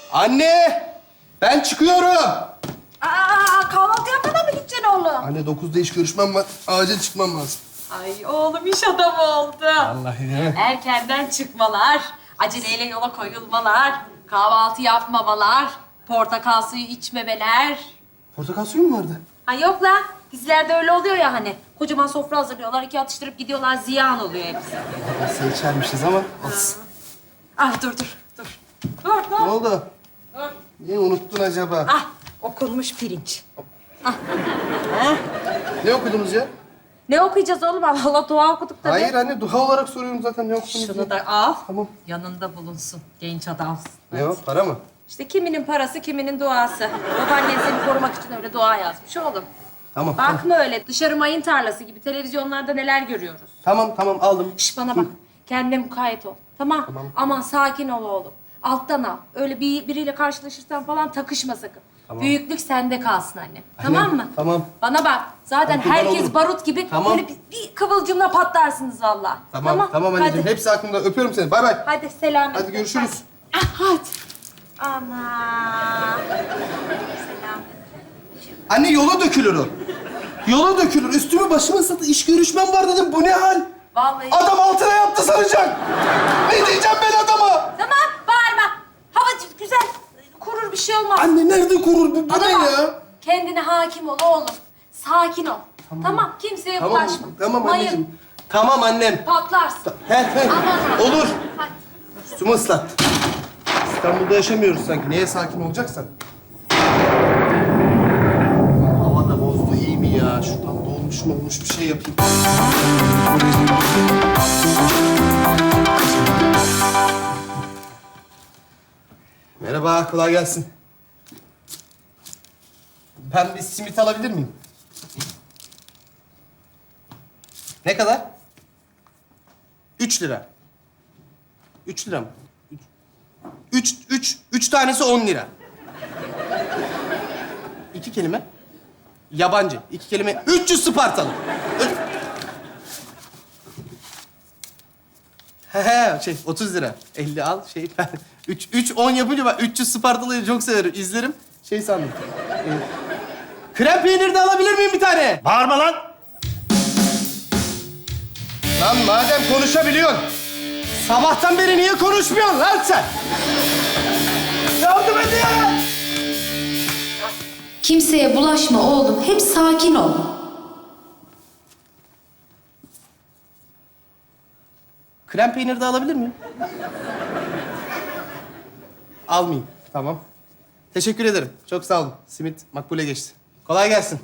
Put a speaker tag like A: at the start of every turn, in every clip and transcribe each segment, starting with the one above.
A: Anne! Ben çıkıyorum.
B: Kahvaltı yapmadan mı gideceksin oğlum?
A: Anne 9'da iş görüşmem var. Acil çıkmam lazım.
B: Ay oğlum iş adamı oldu.
A: Vallahi ya.
B: Erkenden çıkmalar, aceleyle yola koyulmalar, kahvaltı yapmamalar, portakal suyu içmemeler.
A: Portakal suyu mu vardı?
B: Ha yok la, dizilerde öyle oluyor ya hani. Kocaman sofra hazırlıyorlar, iki atıştırıp gidiyorlar, ziyan oluyor hepsi.
A: Nasıl içermişiz ama olsun.
B: Ah dur. Dur.
A: Ne oldu? Niye unuttun acaba?
B: Ah, okunmuş pirinç.
A: Ne okudunuz ya?
B: Ne okuyacağız oğlum? Allah dua okuduk tabii.
A: Hayır anne, dua olarak soruyorum zaten ne okudunuz
B: Şunu
A: diye.
B: da al,
A: Tamam.
B: yanında bulunsun. Genç adamsın.
A: Ne o, para mı?
B: İşte kiminin parası, kiminin duası. Babaannen seni korumak için öyle dua yazmış oğlum.
A: Tamam.
B: Bakma öyle, dışarı mayın tarlası gibi televizyonlarda neler görüyoruz.
A: Tamam aldım.
B: Şş bana bak, kendine mukayyet ol. Tamam. Aman sakin ol oğlum. Alttan al. Öyle biriyle karşılaşırsan falan takışma sakın.
A: Tamam.
B: Büyüklük sende kalsın anne. Tamam mı?
A: Tamam.
B: Bana bak, zaten
A: Tamam,
B: herkes
A: olurum.
B: barut gibi
A: Tamam.
B: böyle bir kıvılcımla patlarsınız vallahi.
A: Tamam anneciğim.
B: Hadi.
A: Hepsi aklımda. Öpüyorum seni. Bay bay.
B: Hadi selametle.
A: Hadi görüşürüz.
B: Hadi. Ana.
A: Anne yola dökülür o. Yola dökülür. Üstümü başımı ıslatı. İş görüşmem var dedim. Bu ne hal?
B: Vallahi.
A: Adam altına yaptı sanacak. Ne diyeceğim ben adama?
B: Tamam, bağırma. Hava güzel. Kurur bir şey olmaz.
A: Anne nerede kurur bu? Bu
B: Bana
A: ne
B: bak,
A: ya?
B: kendine hakim ol oğlum. Sakin ol. Tamam, kimseye bulaşma.
A: Tamam
B: Mayın,
A: anneciğim. Tamam annem.
B: patlarsın.
A: He.
B: Aman.
A: Olur.
B: Hadi.
A: Üstümü ıslat. İstanbul'da yaşamıyoruz sanki. Neye sakin olacaksan? Hava da bozdu. İyi mi ya? Şuradan dolmuş mu olmuş bir şey yapayım. Merhaba, kolay gelsin. Ben bir simit alabilir miyim? Ne kadar? 3 lira. 3 lira mı? 3 tanesi 10 lira. 2 kelime. Yabancı. 2 kelime. 300 Spartalı. He 30 lira. 50 al ben 10 yapınca ben 300 Spartalı'yı çok severim. İzlerim. Sandım. Krem peynir de alabilir miyim bir tane?
C: Bağırma lan!
A: Lan madem konuşabiliyorsun, sabahtan beri niye konuşmuyorsun lan sen? Yardım edin ya!
D: Kimseye bulaşma oğlum. Hep sakin ol.
A: Krem peynir de alabilir miyim? Almayayım. Tamam. Teşekkür ederim. Çok sağ olun. Simit makbule geçti. Kolay gelsin.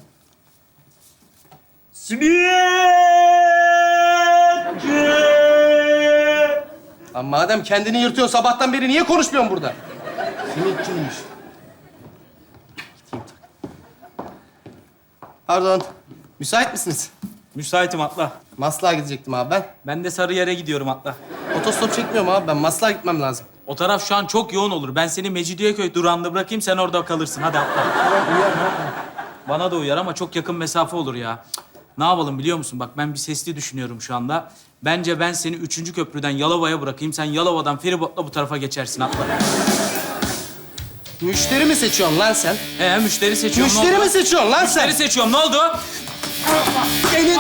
A: Lan madem kendini yırtıyorsun sabahtan beri niye konuşmuyorsun burada? Simitçiymiş. Gideyim tak. Pardon. Müsait misiniz?
C: Müsaitim atla.
A: Maslak'a gidecektim abi ben.
C: Ben de Sarıyer'e gidiyorum atla.
A: Otostop çekmiyorum abi ben. Maslak'a gitmem lazım.
C: O taraf şu an çok yoğun olur. Ben seni Mecidiyeköy durağında bırakayım, sen orada kalırsın. Hadi atla. Bana da uyar ama çok yakın mesafe olur ya. Cık, ne yapalım biliyor musun? Bak ben bir sesli düşünüyorum şu anda. Bence ben seni 3. köprüden Yalova'ya bırakayım. Sen Yalova'dan feribotla bu tarafa geçersin atla.
A: Müşteri mi seçiyorsun lan sen?
C: Müşteri seçiyorum.
A: Müşteri mi seçiyorsun lan sen?
C: Müşteri seçiyorum. Ne oldu?
A: Senin...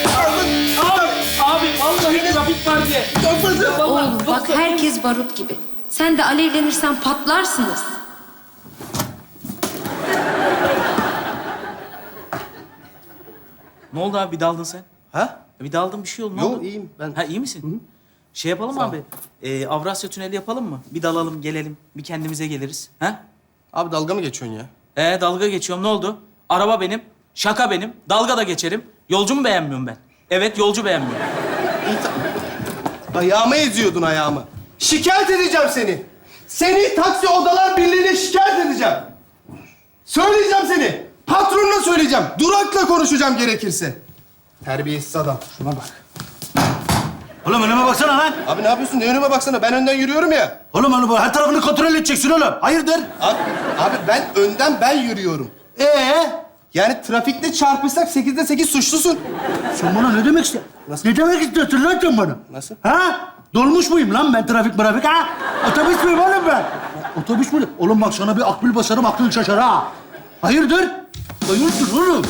C: Abi vallahi trafik var diye.
D: Oğlum bak herkes barut gibi. Sen de alevlenirsen patlarsınız.
C: Ne oldu abi? Bir daldın sen.
A: Ha?
C: Bir daldın bir şey oldu. Ne
A: Yok
C: oldu?
A: iyiyim ben.
C: Ha iyi misin?
A: Hı.
C: Şey yapalım
A: Sağ ol.
C: abi. Avrasya Tüneli yapalım mı? Bir dalalım, gelelim. Bir kendimize geliriz. Ha?
A: Abi dalga mı geçiyorsun ya?
C: Dalga geçiyorum. Ne oldu? Araba benim, şaka benim. Dalga da geçerim. Yolcu mu beğenmiyorum ben? Evet, yolcu beğenmiyorum.
A: İyi ayağımı eziyordun ayağımı. Şikayet edeceğim seni. Seni Taksi Odalar Birliği'ne şikayet edeceğim. Söyleyeceğim seni. Patronuna söyleyeceğim. Durakla konuşacağım gerekirse. Terbiyesiz adam. Şuna bak.
E: Oğlum önüme baksana lan.
A: Abi ne yapıyorsun? Ne önüme baksana. Ben önden yürüyorum ya.
E: Oğlum onu her tarafını kontrol edeceksin oğlum. Hayırdır?
A: Abi ben önden yürüyorum. Yani trafikte çarpışsak 8'de 8 suçlusun.
E: Sen bana ne demek istiyorsun?
A: Nasıl?
E: Ne demek istiyorsun lan sen bana?
A: Nasıl?
E: Ha? Dolmuş muyum lan ben trafik ha? Otobüs müyüm oğlum ben? Otobüs mü? Oğlum bak sana bir akbil basarım, aklın şaşar ha. Hayırdır? Hayırdır oğlum?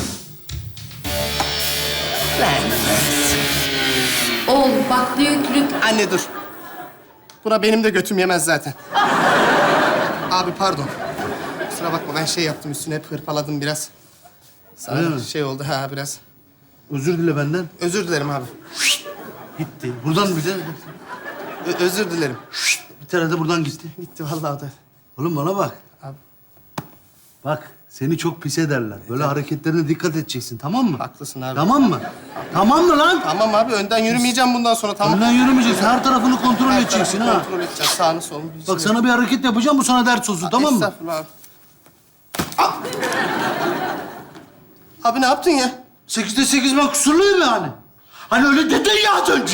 D: Oğlum bak büyüklük.
A: Anne dur. Buna benim de götüm yemez zaten. Abi pardon. Kusura bakma ben şey yaptım üstüne hep hırpaladım biraz. Sana
E: Öyle mi?
A: şey oldu ha biraz.
E: Özür dile benden.
A: Özür dilerim abi.
E: Gitti. Buradan bir de...
A: Özür dilerim.
E: Bir tane de buradan gitti.
A: Gitti vallahi o da.
E: Oğlum bana bak.
A: Abi.
E: Bak seni çok pis ederler. Böyle hareketlerine dikkat edeceksin, tamam mı?
A: Haklısın abi.
E: Tamam mı? Tamam mı lan?
A: Tamam abi önden yürümeyeceğim bundan sonra tamam.
E: Önden yürümeyeceksin. Her tarafını kontrol
A: Her
E: edeceksin
A: tarafı
E: ha.
A: Kontrol edeceğim sağını solunu.
E: Bak sana bir hareket yapacağım, bu sana ders olsun, tamam mı?
A: Estağfurullah abi. Ah! Abi ne yaptın ya?
E: 8'de 8 ben kusurluyum yani. Hani öyle dedin ya az önce.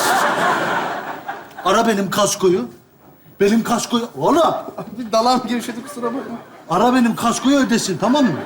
E: Ara benim kaskoyu. Benim kaskoyu... Oğlum!
A: Abi dalağım gevşedi kusura bakma.
E: Ara benim kaskoyu ödesin, tamam mı?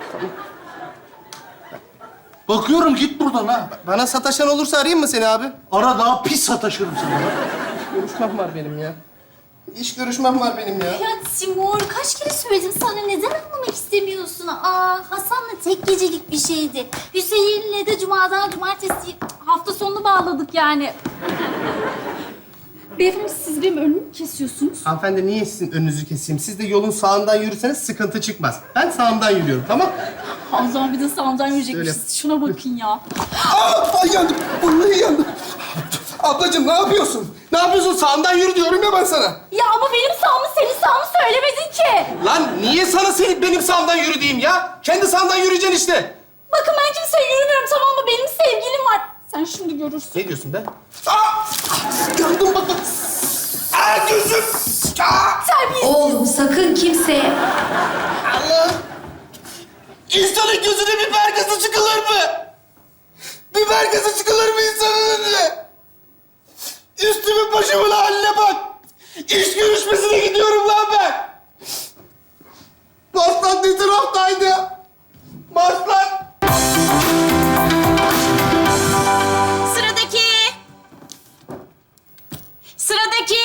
E: Bakıyorum git buradan ha.
A: Bana sataşan olursa arayayım mı seni abi?
E: Ara daha pis sataşırım sana.
A: Görüşmem var benim ya. İş görüşmem var benim ya.
F: Ya Timur kaç kere söyledim sana neden anlamak istemiyorsun? Hasan'la tek gecelik bir şeydi. Hüseyin'le de cumadan cumartesi hafta sonunu bağladık yani. Beyefendi siz benim önümü mü kesiyorsunuz?
A: Hanımefendi niye sizin önünüzü keseyim? Siz de yolun sağından yürüseniz sıkıntı çıkmaz. Ben sağımdan yürüyorum tamam?
F: O zaman bir de sağımdan yürüyecekmişiz.
A: Öyle.
F: Şuna bakın ya.
A: Ay yandım. Vallahi yandım. Ablacığım ne yapıyorsun? Ne yapıyorsun? Sağımdan yürü diyorum ya ben sana.
F: Ya ama benim sağımı senin sağımı söylemedin ki.
A: Lan niye sana benim sağımdan yürü diyeyim ya? Kendi sağından yürüyeceksin işte.
F: Bakın ben kimseye yürümüyorum tamam mı? Benim sevgilim var. Sen şimdi görürsün.
A: Ne diyorsun be? Yandım bak bak. Gözüm.
F: Terbiyesiz.
D: Oğlum sakın kimseye...
A: Allah! İnsanın gözüne biber gazı çıkılır mı? Biber gazı çıkılır mı insanın önüne? Üstümün başımın haline bak! İş görüşmesine gidiyorum lan ben! Marslan ne taraftaydı? Marslan!
F: Sıradaki. Sıradaki.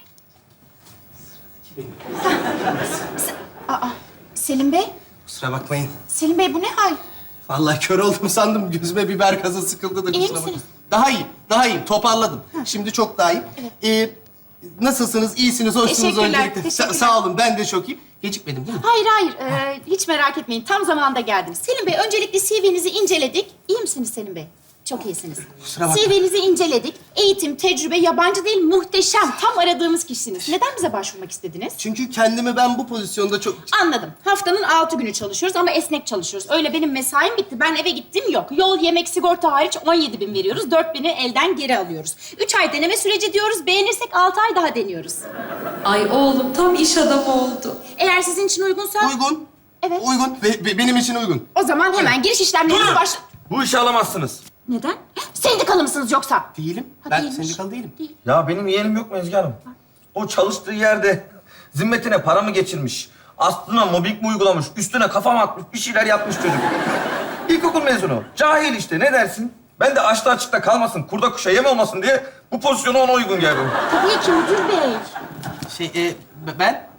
F: Selim Bey.
A: Kusura bakmayın.
F: Selim Bey bu ne hal?
A: Vallahi kör oldum sandım. Gözüme biber gazı sıkıldı da
F: İyi
A: kusura bakmayın.
F: misiniz?
A: Daha iyiyim. Toparladım. Şimdi çok daha iyiyim. Nasılsınız? İyisiniz, hoşsunuz
G: Teşekkürler,
A: öncelikle.
G: teşekkürler.
A: Sağ olun, ben de çok iyiyim. Gecikmedim değil mi?
G: Hayır. Hiç merak etmeyin. Tam zamanında geldim. Selim Bey, öncelikle CV'nizi inceledik. İyi misiniz Selim Bey? Çok iyisiniz.
A: Kusura bakma.
G: CV'nizi inceledik. Eğitim, tecrübe, yabancı değil, muhteşem. Tam aradığımız kişisiniz. Neden bize başvurmak istediniz?
A: Çünkü kendimi ben bu pozisyonda çok...
G: Anladım. Haftanın 6 günü çalışıyoruz ama esnek çalışıyoruz. Öyle benim mesaim bitti. Ben eve gittim yok. Yol, yemek, sigorta hariç 17.000 veriyoruz. 4.000'i elden geri alıyoruz. 3 ay deneme süreci diyoruz. Beğenirsek 6 ay daha deniyoruz.
D: Ay oğlum tam iş adamı oldu.
G: Eğer sizin için uygunsa...
A: Uygun.
G: Evet.
A: Uygun. Benim için uygun.
G: O zaman hemen giriş işlemlerine baş...
H: Bu işi alamazsınız.
G: Neden? Sendikalı mısınız yoksa?
A: Değilim.
G: Ha,
A: Ben
G: değilmiş.
A: sendikalı değilim.
H: Ya benim yeğenim yok mu Ezgi Hanım? O çalıştığı yerde zimmetine para mı geçirmiş? Aslına mobbing mi uygulamış? Üstüne kafam atmış, bir şeyler yapmış çocuk. İlkokul mezunu. Cahil işte, ne dersin? Ben de açta açıkta kalmasın, kurda kuşa yem olmasın diye bu pozisyona ona uygun geldim.
G: Tabii ki müdür bey.
A: Ben...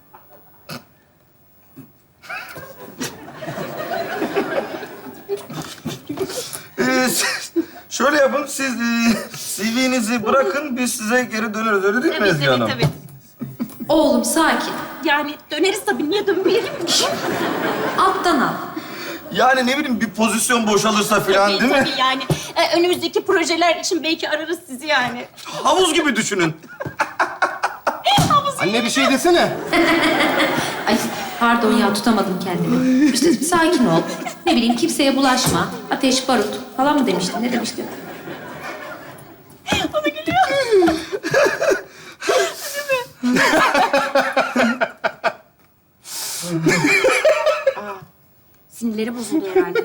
H: Şöyle yapın, siz CV'nizi bırakın, biz size geri döneriz. Öyle değil mi Ezgi Hanım?
G: tabii.
D: Oğlum sakin.
G: Yani döneriz tabii. Niye dönmeyelim ki?
D: Alttan al.
H: Yani ne bileyim, bir pozisyon boşalırsa falan değil mi?
G: Tabii yani. Önümüzdeki projeler için belki ararız sizi yani.
H: Havuz gibi düşünün.
A: Anne bir şey desene.
D: Ay pardon ya tutamadım kendimi. İşte sakin ol. Ne bileyim kimseye bulaşma. Ateş, barut falan mı demiştin? Ne demiştin?
G: Sinirleri bozuldu herhalde.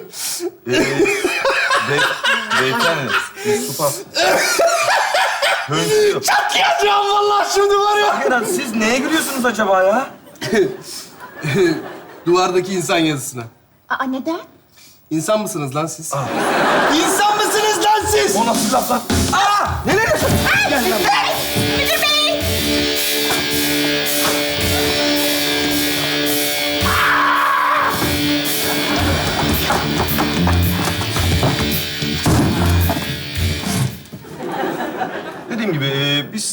H: Beyefendi, bir su pas. Hönkürüyor.
A: Çatlayacağım vallahi şimdi var ya.
H: Hakikaten siz neye gülüyorsunuz acaba ya?
A: Duvardaki insan yazısına.
G: Neden?
A: İnsan mısınız lan siz? İnsan mısınız lan siz?
H: O nasıl laf lan? Neler yapıyorsun?
A: Gel lan.
G: Müdür bey!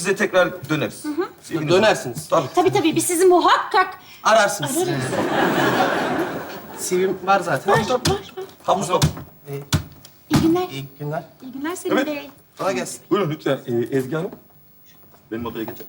H: size tekrar döneriz. Sevginiz olsun.
A: Dönersiniz.
H: Tabii.
G: Tabii biz sizi muhakkak
A: Ararsınız. CV'm var zaten.
G: var.
H: Havuzda.
G: İyi günler.
A: İyi günler.
G: İyi günler Selim
H: Evet.
G: Bey.
A: Kolay gelsin.
H: Buyurun lütfen Ezgi Hanım. Benim odaya geçelim.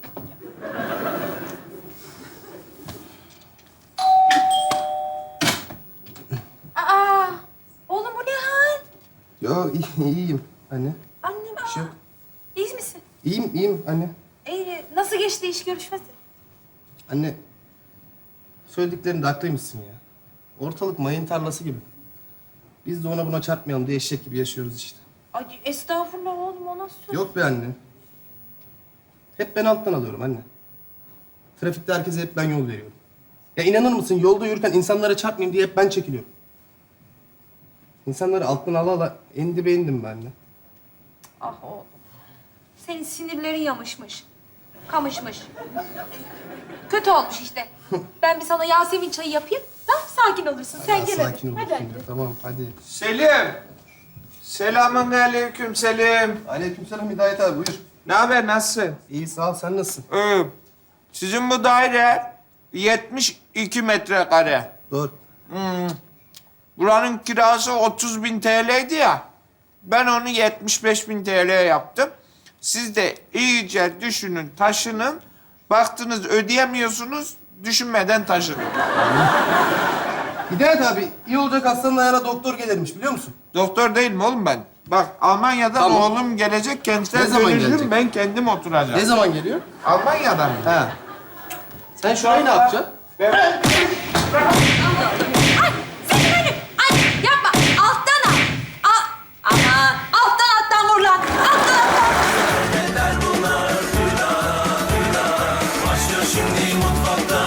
B: Aa, oğlum bu ne hal?
A: Yo iyiyim anne.
B: Annem,
A: Bir şey yok.
B: İyi misin?
A: İyiyim anne.
B: İyi. Nasıl geçti iş görüşmesi?
A: Anne, söylediklerinde haklıymışsın ya. Ortalık mayın tarlası gibi. Biz de ona buna çarpmayalım diye eşek gibi yaşıyoruz işte.
B: Ay estağfurullah oğlum, o nasıl söz?
A: Yok be anne. Hep ben alttan alıyorum anne. Trafikte herkese hep ben yol veriyorum. Ya inanır mısın, yolda yürürken insanlara çarpmayayım diye hep ben çekiliyorum. İnsanları alttan ala ala en dibe indim ben anne.
B: Ah oğlum. Senin sinirlerin yamışmış. Kamışmış. Kötü olmuş işte. Ben bir sana Yasemin çayı yapayım. Ha, sakin olursun. Sen
A: Ya
B: gel
A: sakin
B: hadi.
A: ol.
B: Hadi hadi.
A: Tamam hadi.
I: Selim. Selamun aleyküm Selim.
A: Aleykümselam Hidayet abi, buyur.
I: Ne haber, nasılsın?
A: İyi sağ ol, sen nasılsın?
I: Sizin bu daire 72 metrekare.
A: Doğru.
I: Buranın kirası 30.000 TL'ydi ya. Ben onu 75.000 TL'ye yaptım. Siz de iyice düşünün, taşının. Baktınız ödeyemiyorsunuz, düşünmeden taşının.
A: Hidayet abi, iyi olacak hastanın ayağına doktor gelirmiş, biliyor musun?
I: Doktor değil mi oğlum ben? Bak Almanya'dan
A: Tamam.
I: oğlum gelecek, kendisine
A: Ne zaman
I: dönüşüm,
A: gelecek?
I: ben kendim oturacağım.
A: Ne zaman geliyor?
I: Almanya'dan mı?
A: Ha. Sen şu an ne yapacaksın?
I: Ben...
B: Ay yapma. Alttan al. Al. Aman. Alttan vur lan. Alttan.
J: Başlıyor şimdi mutfakta